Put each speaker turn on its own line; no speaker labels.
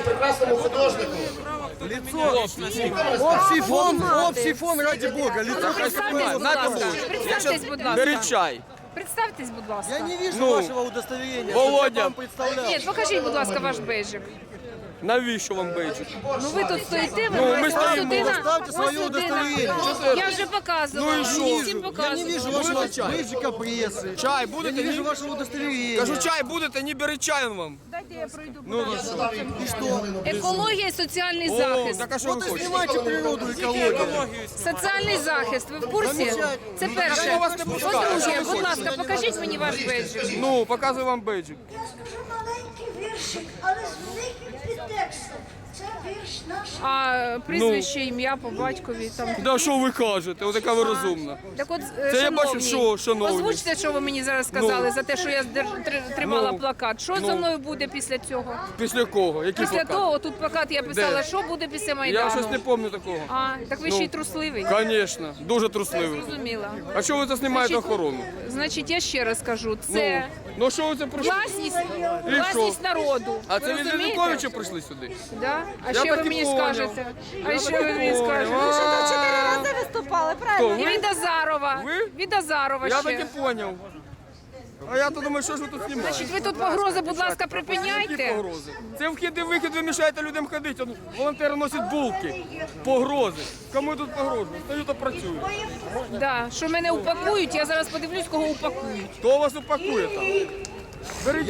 прекрасному художнику.
Общий фон, ради Бога, лицо
Представтесь, будь ласка. Представтесь, будь ласка.
Беріть чай.
Представтесь, будь ласка.
Я не вижу
Ну,
вашего удостоверения,
Володя.
чтобы я вам представлял.
Ні, покажіть, будь ласка, ваш бейджик.
Навіщо вам бейджик?
Ну ви тут стоїте, ви
Ну, ми
маєте
стоїмо.
людина.
Поставте своє
ось людина.
удостоверення.
Я вже показувала,
Ну і що?
мені всім
Я не
показувала.
вижу вашего
Будете чай?
бейджика прессы.
Чай
Я
будете?
не вижу
Ні?
вашего удостоверения.
Кажу, чай будете, не беріть чай вам.
Дайте я пройду.
Ну,
И что?
Екологія і соціальний
О,
захист.
так а що ви
Вот и
хочете?
снимайте природу, экологию.
Соціальний захист, ви в курсі? Це перше.
Я вас не пускаю.
По-друге,
Що ви
будь
хочете?
ласка, покажіть мені ваш бейджик.
Ну, показую вам бейджик.
Я скажу маленький віршик, але з великим підтекстом. Це вірш наш.
А прізвище, ім'я по батькові там.
Да що ви кажете? Отака ви розумна.
Так от,
Це я бачу,
шановні,
що, шановні.
озвучте, що ви мені зараз сказали
Ну.
за те, що я тримала
Ну.
плакат. Що
Ну.
за мною буде після цього?
Після кого? Який
Після
плакат?
того, тут плакат я писала,
Де?
що буде після
Я
Майдану.
щось не пам'ятаю такого.
А, так ви ще й трусливий.
Звісно, дуже трусливий.
Зрозуміла.
А що ви це знімаєте
Значить,
охорону?
Значить, я ще раз кажу, це
Ну що ви це прийшли?
власність народу.
А
Ви
це від
розумієте?
Януковича прийшли сюди?
Да? А
Я
що ви
так і
мені
поняв.
скажете? А
Я
що
так і
ви мені
поняв.
скажете?
А.
4 рази виступали, правильно?
Хто,
І
ви?
від Азарова.
Ви?
Від Азарова
Я
ще.
так і поняв. А я то думаю, що ж ви тут знімаєте?
Значить, ви тут погрози, будь ласка,
Які
припиняйте.
погрози? Це вхід і вихід, ви мішаєте людям ходити. Он, волонтери носять булки. Погрози. Кому тут погрожують? Стою та працюю.
Да, що мене упакують, я зараз подивлюсь, кого упакують.
Хто вас упакує там? Беріть